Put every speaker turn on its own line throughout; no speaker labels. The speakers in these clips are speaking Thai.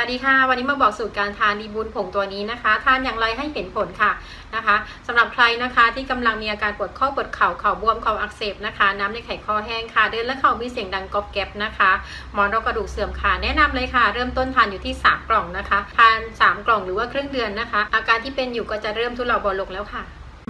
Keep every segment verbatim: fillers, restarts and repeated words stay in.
สดีค่ะวันนี้มาบอกสูตรการทานดีบูนผงตัวนี้นะคะทานอย่างไรให้เห็นผลค่ะนะคะสำหรับใครนะคะที่กำลังมีอาการปวดข้อปวดเข่าเข่าบวมเข่าอักเสบนะคะน้ำในไขข้อแห้งค่ะเดินและเข่ามีเสียงดังก๊อบแก๊บนะคะหมอนรองกระดูกเสื่อมค่ะแนะนำเลยค่ะเริ่มต้นทานอยู่ที่สามกล่องนะคะทานสามกล่องหรือว่าครึ่งเดือนนะคะอาการที่เป็นอยู่ก็จะเริ่มทุเลาเบาลงแล้วค่ะ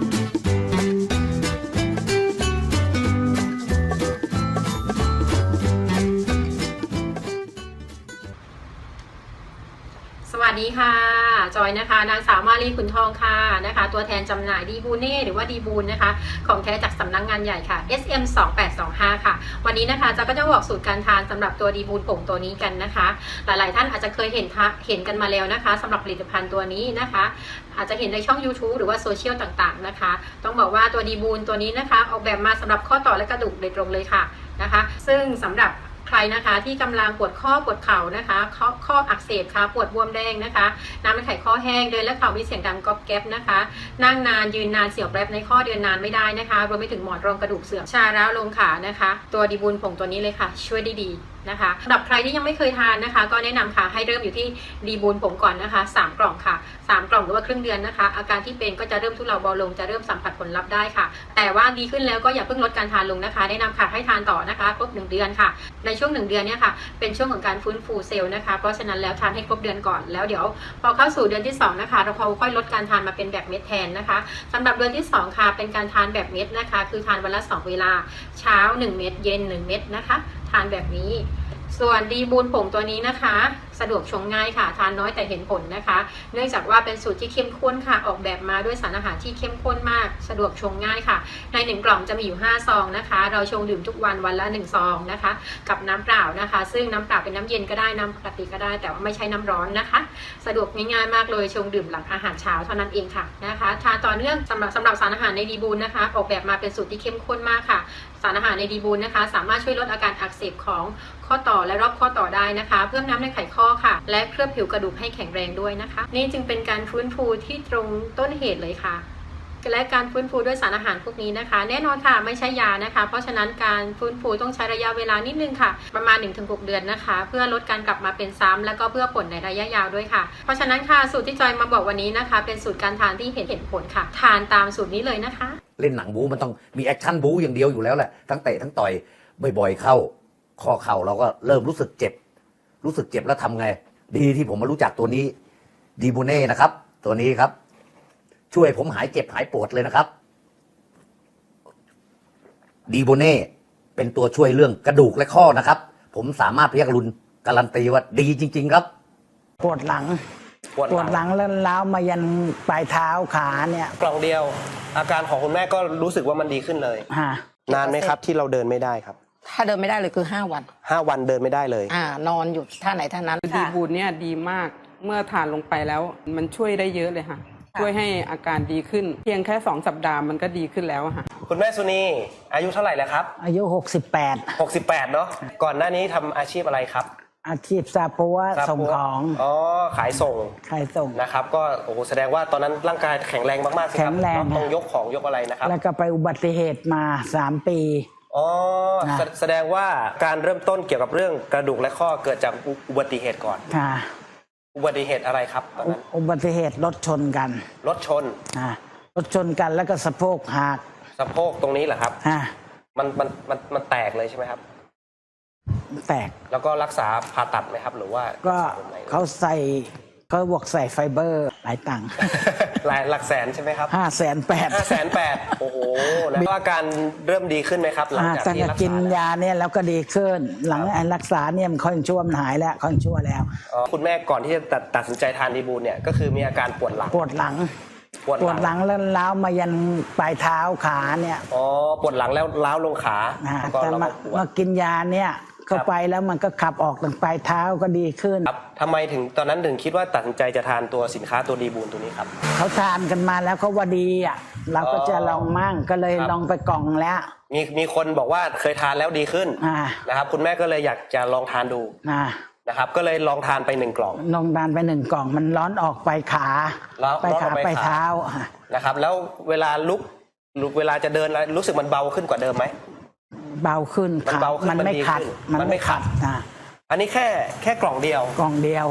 สวัสดีค่ะจอยนะคะนางสาวมาลีขุนทองค่ะนะคะตัวแทนจำหน่ายดีบูเน่หรือว่าดีบูนนะคะของแท้จากสำนัก ง, งานใหญ่ค่ะ เอส เอ็ม สองแปดสองห้า ค่ะวันนี้นะคะจะก็จะบอกสูตรการทานสำหรับตัวดีบูนผงตัวนี้กันนะคะหลายๆท่านอาจจะเคยเห็นเห็นกันมาแล้วนะคะสำหรับผลิตภัณฑ์ตัวนี้นะคะอาจจะเห็นในช่อง ยูทูบ หรือว่าโซเชียลต่างๆนะคะต้องบอกว่าตัวดีบูนตัวนี้นะคะออกแบบมาสำหรับข้อต่อและกระดูกโดยตรงเลยค่ะนะคะซึ่งสำหรับใครนะคะที่กำลังปวดข้อปวดเข่านะคะข้อข้ออักเสบค่ะปวดบวมแดงนะคะน้ำในไขข้อแห้งเดินและเข่ามีเสียงดังก๊อบแก๊บนะคะนั่งนานยืนนานเสียวแป๊บในข้อเดินนานไม่ได้นะคะรวมไปถึงหมอนรองกระดูกเสื่อมชาร้าวลงขานะคะตัวดีบูนผงตัวนี้เลยค่ะช่วยได้ดีนะคะสำหรับใครที่ยังไม่เคยทานนะคะก็แนะนำค่ะให้เริ่มอยู่ที่ดีบูนผงก่อนนะคะสามกล่องค่ะสามกล่องหรือว่าครึ่งเดือนนะคะอาการที่เป็นก็จะเริ่มทุเลาเบาลงจะเริ่มสัมผัสผลลัพธ์ได้ค่ะแต่ว่าดีขึ้นแล้วก็อย่าเพิ่งลดการทานลงนะคะแนะนำค่ะให้ทานต่อนะคะครบหนึ่งเดือนค่ะในช่วงหนึ่งเดือนเนี่ยค่ะเป็นช่วงของการฟื้นฟูเซลล์นะคะเพราะฉะนั้นแล้วทานให้ครบเดือนก่อนแล้วเดี๋ยวพอเข้าสู่เดือนที่สองนะคะเราค่อยลดการทานมาเป็นแบบเม็ดแทนนะคะสำหรับเดือนที่สองค่ะเป็นการทานแบบเม็ดนะคะคือทานวันละสองเวลาเช้าหนึ่งเม็ดเย็นหนึ่งเม็ดนะคะทานแบบนี้ส่วนดีบูนผงตัวนี้นะคะสะดวกชงง่ายค่ะทานน้อยแต่เห็นผลนะคะเนื่องจากว่าเป็นสูตรที่เข้มข้นค่ะออกแบบมาด้วยสารอาหารที่เข้มข้นมากสะดวกชงง่ายค่ะในหนึ่งกล่องจะมีอยู่ห้าซองนะคะเราชงดื่มทุกวันวันละหนึ่งซองนะคะกับน้ำเปล่านะคะซึ่งน้ำเปล่าเป็นน้ำเย็นก็ได้น้ำปกติก็ได้แต่ว่าไม่ใช่น้ำร้อนนะคะสะดวกง่ายๆมากเลยชงดื่มหลังอาหารเช้าเท่านั้นเองค่ะนะคะทานต่อเนื่องสำหรับสำหรับสารอาหารในดีบูนนะคะออกแบบมาเป็นสูตรที่เข้มข้นมากค่ะสารอาหารในดีบูนนะคะสามารถช่วยลดอาการอักเสบของข้อต่อและรอบข้อต่อได้นะคะเพิ่มน้ำในไขข้อค่ะและเคลือบผิวกระดูกให้แข็งแรงด้วยนะคะนี่จึงเป็นการฟื้นฟูที่ตรงต้นเหตุเลยค่ะและการฟื้นฟูด้วยสารอาหารพวกนี้นะคะแน่นอนค่ะไม่ใช่ยานะคะเพราะฉะนั้นการฟื้นฟูต้องใช้ระยะเวลานิดนึงค่ะประมาณ หนึ่งถึงหก เดือนนะคะเพื่อลดการกลับมาเป็นซ้ำและก็เพื่อผลในระยะยาวด้วยค่ะเพราะฉะนั้นค่ะสูตรที่จอยมาบอกวันนี้นะคะเป็นสูตรการทานที่เห็นเห็นผลค่ะทานตามสูตรนี้เลยนะคะ
เล่นหนังบู๊มันต้องมีแอคชั่นบู๊อย่างเดียวอยู่แล้วแหละทั้งเตะทั้งต่อยบ่อยๆเข้าข้อเข่าเราก็เริ่มรู้สึกเจ็บรู้สึกเจ็บแล้วทำไงดีที่ผมมารู้จักตัวนี้ดีบูเน่นะครับตัวนี้ครับช่วยผมหายเจ็บหายปวดเลยนะครับดีบูเน่เป็นตัวช่วยเรื่องกระดูกและข้อนะครับผมสามารถพยักรุนการันตีว่าดีจริงๆครับ
ปวดหลังปวดหลังแล้วล้าวมายันปลายเท้าขาเนี่ย
กล่องเดียวอาการของคุณแม่ก็รู้สึกว่ามันดีขึ้นเลยนานไหมครับที่เราเดินไม่ได้ครับ
ถ้าเดินไม่ได้เลยคือห้าวัน
ห้าวันเดินไม่ได้เลย
อ่านอนอยู่ท่าไหนท่านั้น
ดีบูนเนี่ยดีมากเมื่อทานลงไปแล้วมันช่วยได้เยอะเลยค่ะช่วยให้อาการดีขึ้นเพียงแค่สองสัปดาห์มันก็ดีขึ้นแล้วค่ะ
คุณแม่สุนีอายุเท่าไหร่แล้วครับ
อายุหกสิบแปด
หกสิบแปดเนาะก่อนหน้านี้ทำอาชีพอะไรครับ
อาชีพซาปัวส่งของ
อ๋อขายส่ง
ขายส่ง
นะครับก็โอ้โหแสดงว่าตอนนั้นร่างกายแข็งแรงมากๆสิครับ
แข็งแรง
ต้องยกของยกอะไรนะครับ
แล้วก็ไปอุบัติเหตุมาสามปี
อ๋อแสดงว่าการเริ่มต้นเกี่ยวกับเรื่องกระดูกและข้อเกิดจากอุบัติเหตุก่อน
ค่ะ
อุบัติเหตุอะไรครับตอนนั้น
อุบัติเหตุรถชนกัน
รถชน
อ่ารถชนกันแล้วก็สะโพกหัก
สะโพกตรงนี้เหรอครับ
อ่า
มันมันมันมันแตกเลยใช่ไหมครับ
แตก
แล้วก็รักษาผ่าตัดไหมครับหรือว่า
ก็เขาใส่เขาบวกใส่ไฟเบอร์หลายตังค์
หลายหลักแสนใช่ไหมครับ
ห้าแสนแปด
ห้าแสนแปดโอ้โหแล้วอาการเริ่มดีขึ้นไหมครับหลังจากที่รักษา
กินยาเนี่ยแล้วก็ดีขึ้นหลังรักษาเนี่ยมันค่อยชั่วมันหายแล้วค่อยชั่วแล้ว
คุณแม่ก่อนที่จะตัดสินใจทานดีบูนเนี่ยก็คือมีอาการปวดหลัง
ปวดหลังปวดหลังแล้วล้าวมายันปลายเท้าขาเนี่ย
อ๋อปวดหลังแล้วล้าวลงขา
แต่มากินยาเนี่ยเข้าไปแล้วมันก็ขับออกตั้งปลายเท้าก็ดีขึ้น
ครับทำไมถึงตอนนั้นถึงคิดว่าตัดสินใจจะทานตัวสินค้าตัวดีบูนตัวนี้ครับ
เขาทานกันมาแล้วเขาว่าดีอ่ะเราก็จะลองมั่งก็เลยลองไปกล่องแล้ว
มีมีคนบอกว่าเคยทานแล้วดีขึ้นนะครับคุณแม่ก็เลยอยากจะลองทานดูนะครับก็เลยลองทานไปหนึ่งกล่อง
ลองทานไปหนึ่งกล่องมันร้อนออกไปขาไปขาไปเท้า
นะครับแล้วเวลาลุกลุกเวลาจะเดินแล้วรู้สึกมันเบาขึ้นกว่าเดิมไหม
เบาขึ้น
มันเบาขึ้น
มันไม่ขัด
มันไม่ขัดนะอันนี้แค่แค่กล่องเดียว
กล่องเดียว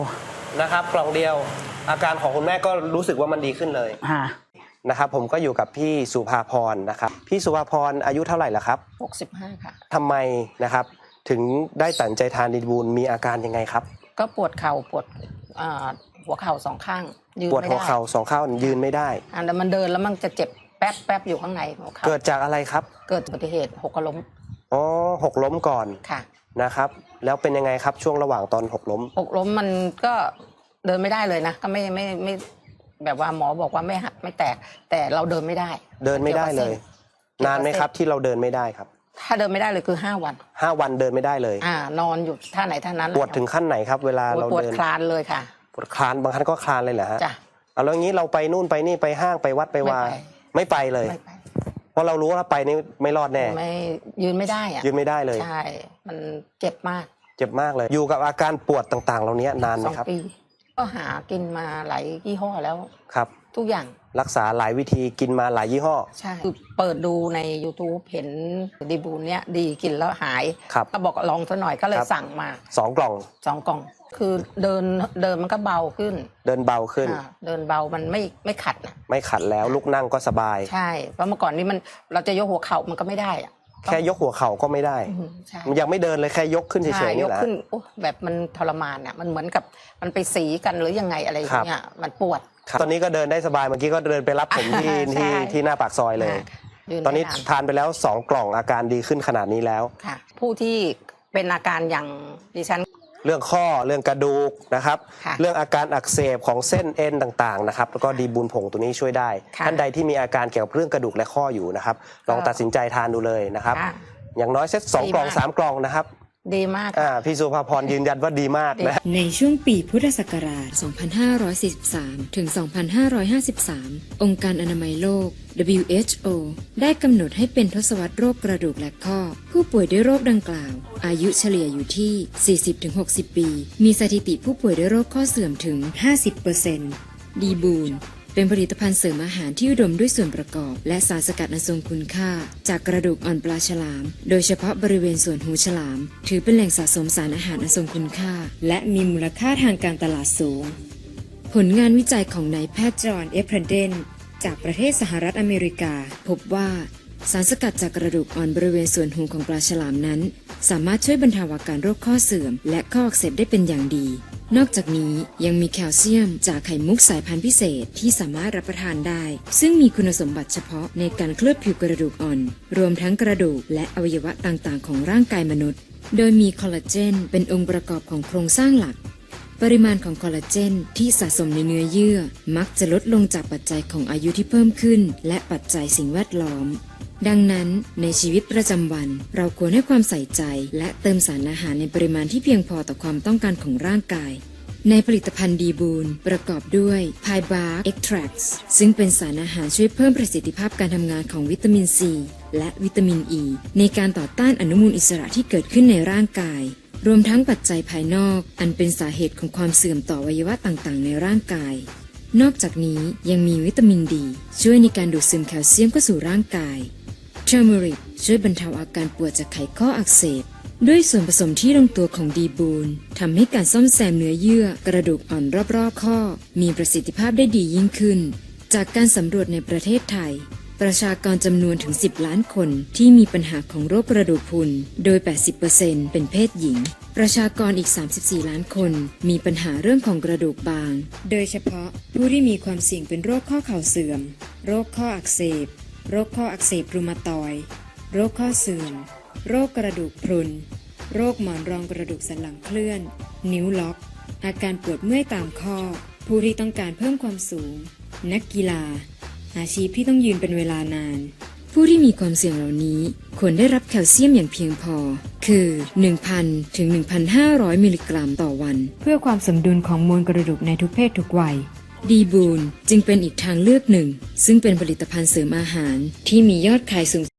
นะครับ กล่องเดียว อาการของคุณแม่ก็รู้สึกว่ามันดีขึ้นเลย
อ่า
นะครับผมก็อยู่กับพี่สุภาพรนะครับพี่สุภาพรอายุเท่าไหร่ละครับ
หกสิบห้าค่ะ
ทำไมนะครับถึงได้ตัดใจทานดีบูลมีอาการยังไงครับ
ก็ปวดเข่าปวดอ่าหัวเข่าสองข้างยืน
ปวด
ไม่
หัว
ได้
เข่าสองข้างยืนไม่ได้
อ่าแต่มันเดินแล้วมันจะเจ็บแป๊บแป๊บอยู่ข้างในหัวเข่า
เกิดจากอะไรครับ
เกิดอุบัติเหตุหกล้ม
อ๋อหกล้มก่อน
ค่ะ
นะครับแล้วเป็นยังไงครับช่วงระหว่างตอนหกล้ม
หกล้มมันก็เดินไม่ได้เลยนะก็ไม่ไม่ไม่แบบว่าหมอบอกว่าไม่หักไม่แตก แต่เราเดินไม่ได้
เดินไม่ได้เลย นานไหมครับที่เราเดินไม่ได้ครับ
ถ้าเดินไม่ได้เลยคือห้าวัน
ห้าวันเดินไม่ได้เลย
อ่านอนอยู่ท่าไหนท่านั้น
ปวดถึงขั้นไหนครับ เวลา
ปวด
เรา
ปวด
เดิน
คลานเลยค่ะ
ปวดคลานบางครั้งก็คลานเลยเหรอฮะ
จ้ะ
เอาแล้วงี้เราไปนู่นไปนี่ไปห้างไปวัดไปวา
ไม่ไป
ไม่ไปเลย
ไม่ไป
เพราะเรารู้ว่าไปนี่ไม่รอดแน่
ไม่ยืนไม่ได้อะ
ยืนไม่ได้เลย
ใช่มันเจ็บมาก
เจ็บมากเลย อยู่กับอาการปวดต่างๆ เหล่านี้นานไห
ส
ม
อง
ครับ
ปี ก็หากินมาหลายยี่ห้อแล้ว
ครับ
ทุกอย่าง
รักษาหลายวิธีกินมาหลายยี่ห้อ
ใช่คือเปิดดูใน YouTube เห็นดีบูนเนี้ยดีกินแล้วหาย
ครับ
ก็บอกลองซะหน่อยก็เลย
ครับ
สั่งมา
สองกล่อง
สองกล่อง คือเดินเดินมันก็เบาขึ้น
เดินเบาขึ้น
อ่าเดินเบามันไม่ไม่ขัดนะ
ไม่ขัดแล้วลุกนั่งก็สบาย
ใช่เพราะเมื่อก่อนนี้มันเราจะยกหัวเข่ามันก็ไม่ได้อะ
แค่ยกหัวเข่าก็ไม่ได้
อืมใช่
มันยังไม่เดินเลยแค่ยกขึ้นเฉ
ใช่
ยๆ
ย
นี่
ก
แหละ
ขึ้นโอ้แบบมันทรมานอ่ะมันเหมือนกับมันไปสีกันหรือยังไงอะไรอย่างเงี้ยมันปวด
ครับตอนนี้ก็เดินได้สบายเมื่อกี้ก็เดินไปรับผมที่
ใช่
ที่ที่หน้าปากซอยเลย
อ่ายื
ตอนนี้
ไม่า
ทานไปแล้วสองกล่องอาการดีขึ้นขนาดนี้แล้ว
ค่ะ ผู้ที่เป็นอาการอย่างดิฉัน
เรื่องข้อเรื่องกระดูกนะครับ
ค่ะ
เรื่องอาการอักเสบของเส้นเอ็นต่างๆนะครับแล้วก็ดีบูลผงตัวนี้ช่วยได้
ค่ะ
ท่านใดที่มีอาการเกี่ยวกับเรื่องกระดูกและข้ออยู่นะครับลองตัดสินใจทานดูเลยนะครับ
ค่ะ
อย่างน้อยเซตสอง
ดี
กล่อง
มาก
สามกล่องนะครับ
ดีมาก
อ่าพี่สุภาพรยืนยันว่าดีมากนะ
ในช่วงปีพุทธศักราช สองพันห้าร้อยสี่สิบสาม ถึง สองพันห้าร้อยห้าสิบสาม องค์การอนามัยโลก ดับเบิลยู เอช โอ ได้กำหนดให้เป็นทศวรรษโรคกระดูกและข้อ ผู้ป่วยด้วยโรคดังกล่าว อายุเฉลี่ยอยู่ที่ สี่สิบถึงหกสิบ ปี มีสถิติผู้ป่วยด้วยโรคข้อเสื่อมถึง ห้าสิบเปอร์เซ็นต์ ดีบูนเป็นผลิตภัณฑ์เสริมอาหารที่อุดมด้วยส่วนประกอบ และสารสกัดอันทรงคุณค่า จากกระดูกอ่อนปลาฉลาม โดยเฉพาะบริเวณส่วนหูฉลาม ถือเป็นแหล่งสะสมสารอาหารอันทรงคุณค่า และมีมูลค่าทางการตลาดสูง ผลงานวิจัยของนายแพทย์จอห์น เอฟเพรเดนจากประเทศสหรัฐอเมริกา พบว่าสารสกัดจากกระดูกอ่อนบริเวณส่วนหูของปลาฉลามนั้น สามารถช่วยบรรเทาอาการโรคข้อเสื่อม และข้ออักเสบได้เป็นอย่างดี นอกจากนี้ยังมีแคลเซียมจากไข่มุกสายพันธุ์พิเศษที่สามารถรับประทานได้ ซึ่งมีคุณสมบัติเฉพาะในการเคลือบผิวกระดูกอ่อน รวมทั้งกระดูกและอวัยวะต่างๆของร่างกายมนุษย์ โดยมีคอลลาเจนเป็นองค์ประกอบของโครงสร้างหลัก ปริมาณของคอลลาเจนที่สะสมในเนื้อเยื่อมักจะลดลงจากปัจจัยของอายุที่เพิ่มขึ้นและปัจจัยสิ่งแวดล้อม ดังนั้นในชีวิตประจำวันเราควรให้ความใส่ใจและเติมสารอาหารในปริมาณที่เพียงพอต่อความต้องการของร่างกายในผลิตภัณฑ์ดีบูนประกอบด้วย Pie Bark Extracts ซึ่งเป็นสารอาหารช่วยเพิ่มประสิทธิภาพการทำงานของวิตามินซีและวิตามินอ e ีในการต่อต้านอนุมูลอิสระที่เกิดขึ้นในร่างกายรวมทั้งปัจจัยภายนอกอันเป็นสาเหตุของความเสื่อมต่ออวัยวะต่างๆในร่างกายนอกจากนี้ยังมีวิตามินดีช่วยในการดูดซึมแคลเซียมเข้าสู่ร่างกายเทอร์เมริกช่วยบรรเทาอาการปวดจากไขข้ออักเสบด้วยส่วนผสมที่ลงตัวของดีบูนทำให้การซ่อมแซมเนื้อเยื่อกระดูกอ่อนรอบๆข้อมีประสิทธิภาพได้ดียิ่งขึ้นจากการสำรวจในประเทศไทยประชากรจำนวนถึงสิบล้านคนที่มีปัญหาของโรคกระดูกพรุนโดย แปดสิบเปอร์เซ็นต์ เป็นเพศหญิงประชากรอีกสามสิบสี่ล้านคนมีปัญหาเรื่องของกระดูกบางโดยเฉพาะผู้ที่มีความเสี่ยงเป็นโรคข้อเข่าเสื่อมโรคข้ออักเสบโรคข้ออักเสบรูมาตอยด์โรคข้อเสื่อมโรคกระดูกพรุนโรคหมอนรองกระดูกสันหลังเคลื่อนนิ้วล็อกอาการปวดเมื่อยตามข้อผู้ที่ต้องการเพิ่มความสูงนักกีฬาอาชีพที่ต้องยืนเป็นเวลานานผู้ที่มีความเสี่ยงเหล่านี้ควรได้รับแคลเซียมอย่างเพียงพอคือ หนึ่งพัน ถึง หนึ่งพันห้าร้อย มิลลิกรัมต่อวันเพื่อความสมดุลของมวลกระดูกในทุกเพศทุกวัยดีบูนจึงเป็นอีกทางเลือกหนึ่งซึ่งเป็นผลิตภัณฑ์เสริมอาหารที่มียอดขายสูง